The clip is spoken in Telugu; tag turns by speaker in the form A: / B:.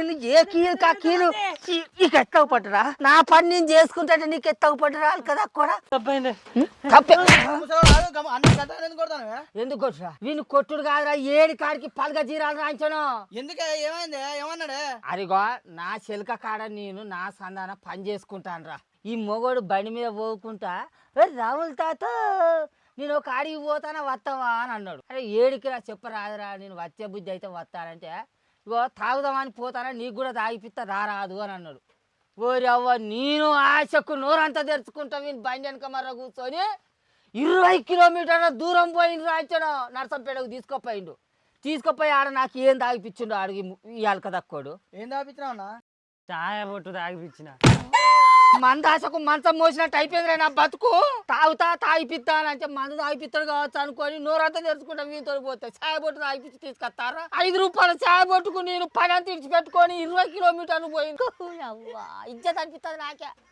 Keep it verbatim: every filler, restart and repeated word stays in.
A: వీళ్ళు ఏ కీలు కా కీలు నీకు ఎత్తవు పట్టరా నా పని నేను చేసుకుంటే నీకు ఎత్తవు పట్టరా కదా కూడా ఎందుకు కొట్టురా వీళ్ళు కొట్టుడు కాదురా ఏడి కాడికి పలుగా జీరాలు రాయించను
B: ఎందుకే ఏమైంది ఏమన్నాడే
A: అరిగో నా చెలక కాడ నేను నా సంధాన పని చేసుకుంటాను రా ఈ మొగోడు బండి మీద పోకుంటా రాముల తాత నేను ఒక ఆడికి పోతానా వస్తావా అని అన్నాడు. అరే ఏడికి రా చెప్పరాదురా నేను వచ్చే బుద్ధి అయితే వస్తానంటే ఇగో తాగుదామని పోతానా నీకు కూడా తాగిపిస్తా రారాదు అని అన్నాడు. ఓరి అవ్వ నేను ఆశకు నోరంతా తెరుచుకుంటా వీని బండి వెనక మర్ర కూర్చొని ఇరవై కిలోమీటర్ల దూరం పోయిండు రాయించాడు. నర్సంపేటకు తీసుకుపోయిండు. తీసుకుపోయి ఆడ నాకు ఏం తాగిపించిండు అడిగి ఇవాళ కదక్కోడు.
B: ఏం తాగిపించినా
C: చాయ బొట్టు తాగిపించిన
A: మందాసకు మంచం మోసినట్టు అయిపోయిందిరా నా బతుకు. తాగుతా తాగిపిస్తా అని అంటే మందు తాగిపిస్తాడు కావచ్చు అనుకొని నోరంతా తెరుచుకుంటా వీతో పోతే ఛాయ బొట్టు తాగిపించి తీసుకొస్తారా ఐదు రూపాయల ఛాయ బొట్టుకు నేను పని అంత ఇడిచిపెట్టుకొని ఇరవై కిలోమీటర్లు పోయింది. ఇజ్జత్ అనిపిస్తుంది నాకే.